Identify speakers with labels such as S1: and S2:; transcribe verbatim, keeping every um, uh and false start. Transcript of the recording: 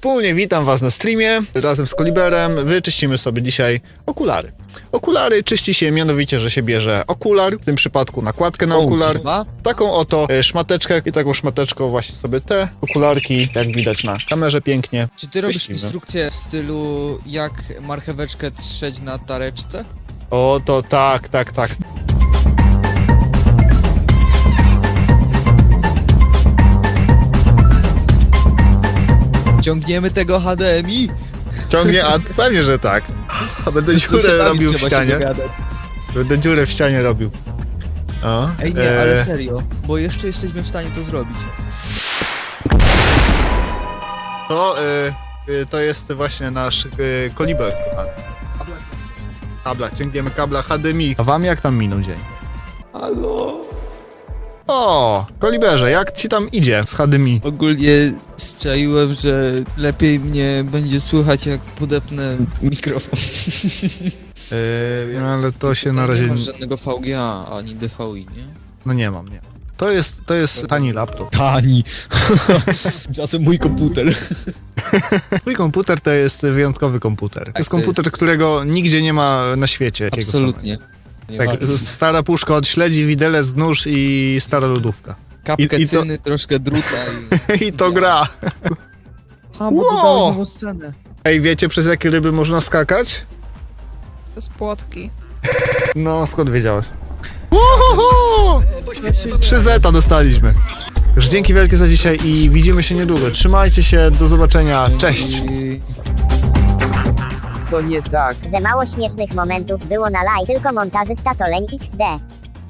S1: Wspólnie witam was na streamie, razem z Koliberem wyczyścimy sobie dzisiaj okulary. Okulary czyści się mianowicie, że się bierze okular, w tym przypadku nakładkę na okular, taką oto e, szmateczkę i taką szmateczką właśnie sobie te okularki, jak widać na kamerze pięknie.
S2: Czy ty robisz
S1: Wyścigamy.
S2: instrukcję w stylu jak marcheweczkę trzeć na tareczce?
S1: O, to tak, tak, tak.
S2: Ciągniemy tego H D M I?
S1: Ciągnie, a pewnie, że tak. A będę dziurę robił w ścianie. Będę dziurę w ścianie robił. O,
S2: Ej nie,
S1: e,
S2: ale serio, bo jeszcze jesteśmy w stanie to zrobić.
S1: To, e, e, to jest właśnie nasz e, Koliber, kochany. Kabla, ciągniemy kabla H D M I. A wam jak tam minął dzień?
S2: Halo?
S1: O, Koliberze, jak ci tam idzie z H D M I?
S2: Ogólnie strzaiłem, że lepiej mnie będzie słychać jak podepnę mikrofon.
S1: Yy, ale to się na
S2: Tutaj
S1: razie...
S2: Nie masz żadnego V G A ani D V I, nie?
S1: No nie mam, nie. To jest, to jest tani laptop.
S2: Tani. Czasem mój komputer.
S1: Mój komputer to jest wyjątkowy komputer. To jest
S2: to
S1: komputer,
S2: jest-
S1: którego nigdzie nie ma na świecie. jakiego
S2: Absolutnie.
S1: samego. Tak, stara puszka od śledzi, widelec, nóż i stara lodówka.
S2: Kapkę
S1: i- i to-
S2: cyny, troszkę druta i...
S1: I to gra.
S2: A, bo
S1: Wow!
S2: dodałeś nową scenę.
S1: Ej, wiecie przez jakie ryby można skakać?
S3: Z płotki.
S1: No, skąd wiedziałeś? Uhuhu! trzy zeta dostaliśmy. Już dzięki wielkie za dzisiaj i widzimy się niedługo. Trzymajcie się, do zobaczenia, cześć!
S2: I...
S4: To nie tak.
S5: Że mało śmiesznych momentów było na live, tylko montażysta to leń iks de.